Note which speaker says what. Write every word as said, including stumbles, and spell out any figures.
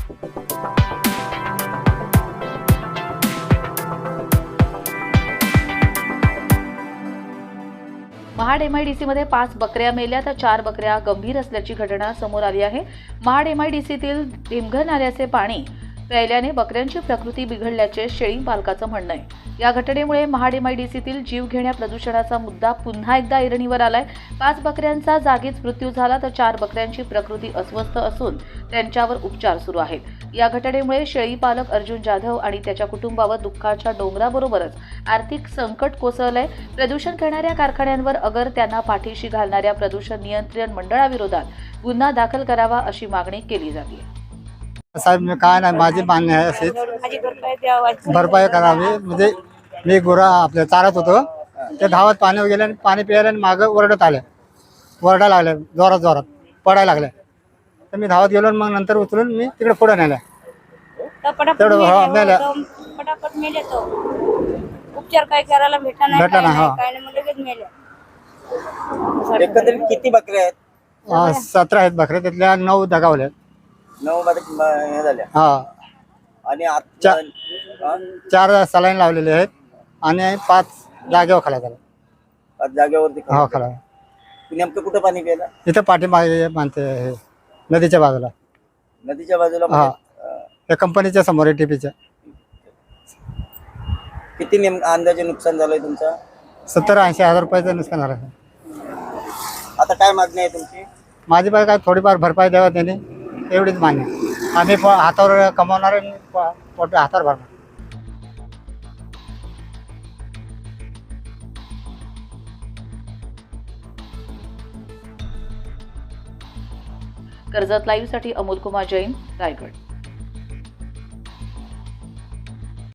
Speaker 1: महाड एमआयडीसीमध्ये पाच बकऱ्या मेल्या तर चार बकऱ्या गंभीर असल्याची घटना समोर आली आहे। महाड एमआयडीसीतील ढिमघर नाल्याचे पाणी प्यायल्याने बकऱ्यांची प्रकृती बिघडल्याचे शेळी पालकाचं म्हणणं आहे। या घटनेमुळे महाड एमआयडीसीतील जीवघेण्या प्रदूषणाचा मुद्दा पुन्हा एकदा ऐरणीवर आलाय। पाच बकऱ्यांचा जागीच मृत्यू झाला तर चार बकऱ्यांची प्रकृती अस्वस्थ असून त्यांच्यावर उपचार सुरू आहेत। या घटनेमुळे शेळी पालक अर्जुन जाधव आणि त्याच्या कुटुंबावर दुःखाच्या डोंगराबरोबरच आर्थिक संकट कोसळलंय। प्रदूषण करणाऱ्या कारखान्यांवर अगर त्यांना पाठीशी घालणाऱ्या प्रदूषण नियंत्रण मंडळाविरोधात गुन्हा दाखल करावा अशी मागणी केली जाते।
Speaker 2: साहेब मी काय नाही, माझी मान्य आहे अशीच भरपाई करावी। म्हणजे मी गुरा आपल्या चारत होतो, ते धावत पाणी गेले आणि पाणी प्यायला आणि मागं ओरडत आले, ओरडा लागले जोरात जोरात पडायला लागले। तर मी धावत गेलो आणि मग नंतर उचलून मी तिकडे पुढे नेलं। तेवढं हा मेलं,
Speaker 3: पटापट मेले तो उपचार काय करायला भेटला नाही,
Speaker 2: भेटला नाही, हा.
Speaker 3: काय नाही, मग लगेच मेले।
Speaker 4: एकंदरीत किती बकऱ्या आहेत?
Speaker 2: सतरा आहेत बकऱ्या, त्यातल्या नऊ दगावल्या।
Speaker 4: नऊ मध्ये हे झाल्या
Speaker 2: हा,
Speaker 4: आणि आता हा?
Speaker 2: चार सलाईन लावलेले आहेत आणि पाच जागेवर खाला झाला।
Speaker 4: पाच जागेवरती
Speaker 2: हा खाला।
Speaker 4: नेमकं कुठं पाणी प्यायला?
Speaker 2: इथं पाठीमागे मानते हे नदीच्या बाजूला,
Speaker 4: नदीच्या बाजूला
Speaker 2: हा,
Speaker 4: म्हणजे,
Speaker 2: या कंपनीच्या समोर आहे टीपीच्या।
Speaker 4: किती नेम अंदाजे नुकसान झालंय तुमचं?
Speaker 2: सत्तर ऐंशी हजार रुपयाचं नुकसान झालं।
Speaker 4: आता काय मागणी आहे तुमची?
Speaker 2: माझी बाई काय थोडीफार भरपाई द्यावा त्यांनी, एवढीच मान्य। आम्ही प- हातावर कमावणार आणि प- पोट हातावर भरणार।
Speaker 1: कर्जत लाईव्हसाठी अमोल कुमार जैन, रायगड।